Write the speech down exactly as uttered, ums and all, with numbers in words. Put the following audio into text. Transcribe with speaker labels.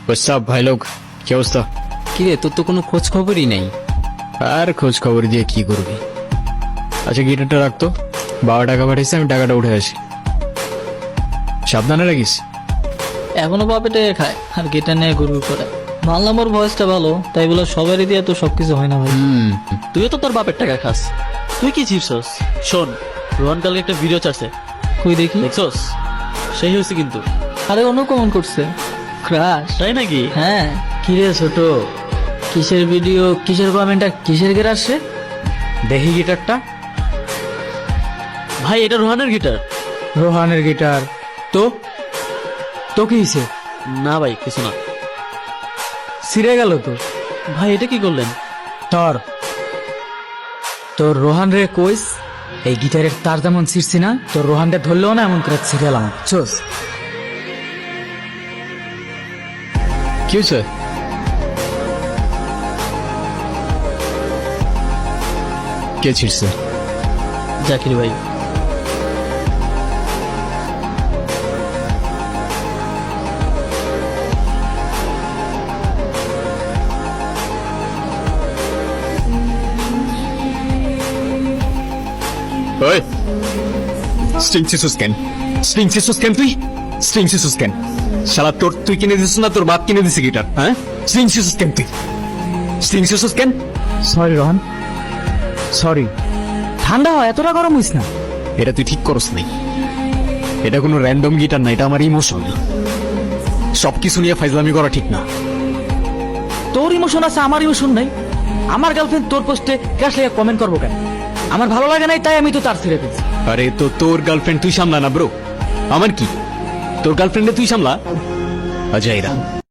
Speaker 1: সব ভাই লোক কি অবস্থা?
Speaker 2: কিরে তোর তো কোনো খোঁজ খবরই নেই।
Speaker 1: আর খোঁজ খবর দিয়ে কি করবি? আচ্ছা গিটারটা রাখতো, বাবা টাকা পাঠিয়েছে, আমি টাকাটা উঠে আসি। সাবধানে রাখিস।
Speaker 3: এখনো বাপেটে খায় আর গিটার নিয়ে গুরু করে। মানলাম ওর ভয়েসটা ভালো, তাই বলে সবারই দিয়ে তো সবকিছু হয় না ভাই।
Speaker 1: হুম,
Speaker 4: তুইও তো তোর বাপের টাকা খাস, তুই কি চিপছস? শোন, রোহন কালকে একটা ভিডিও চাচ্ছে,
Speaker 3: কই দেখি।
Speaker 4: দেখছস? সেই হয়েছে কিন্তু।
Speaker 3: আরে অন্য কমন করছে ক্রাশ।
Speaker 4: তাই নাকি?
Speaker 3: হ্যাঁ। কিরে ছোট, কিসের ভিডিও, কিসের কমেন্টটা, কিসের গের আসছে?
Speaker 2: দেখি গিটারটা।
Speaker 4: ভাই এটা রোহানের গিটার।
Speaker 2: রোহানের গিটার? তো তো কি হয়েছে?
Speaker 4: না ভাই কিছু না।
Speaker 2: ছিঁড়ে গেল তো।
Speaker 4: ভাই এটা কি করলেন?
Speaker 2: তোর তোর রোহান রে কইস এই গিটারের তার যেমন ছিঁড়ছি না, তোর রোহান রে ধরলেও না এমন করে ছিঁড়েলাম। চোস
Speaker 1: কি হয়েছে? কে ছিড়ছে?
Speaker 4: জাকির ভাই।
Speaker 1: ওই স্ট্রিং সিসুস কেন? স্ট্রিং সিসুস কেন তুই? স্ট্রিং সিসুস কেন? শালা তোর তুই কিনে দিছিস না তোর বাপ কিনে দিছে গিটার? হ্যাঁ, স্ট্রিং সিসুস কেন তুই? স্ট্রিং সিসুস কেন?
Speaker 2: Sorry Rohan, sorry. ঠান্ডা হয়, এতটা গরম হইস না।
Speaker 1: এটা তুই ঠিক করস নাই। এটা কোনো র্যান্ডম গিটার না, এটা আমার ইমোশন। সবকিছু নিয়ে ফাইজলামি করা ঠিক না।
Speaker 2: তোর ইমোশন আছে, আমার ইমোশন নাই। আমার গার্লফ্রেন্ড তোর পোস্টে ক্রাশ লেগে কমেন্ট করবো কেন? আমার ভালো লাগে নাই, তাই আমি তো তার ছিঁড়ে ফেলছি।
Speaker 1: আরে তো তোর গার্লফ্রেন্ড তুই সামলা না ব্রো, আমার কি? তোর গার্লফ্রেন্ডে তুই সামলা। অজয়রা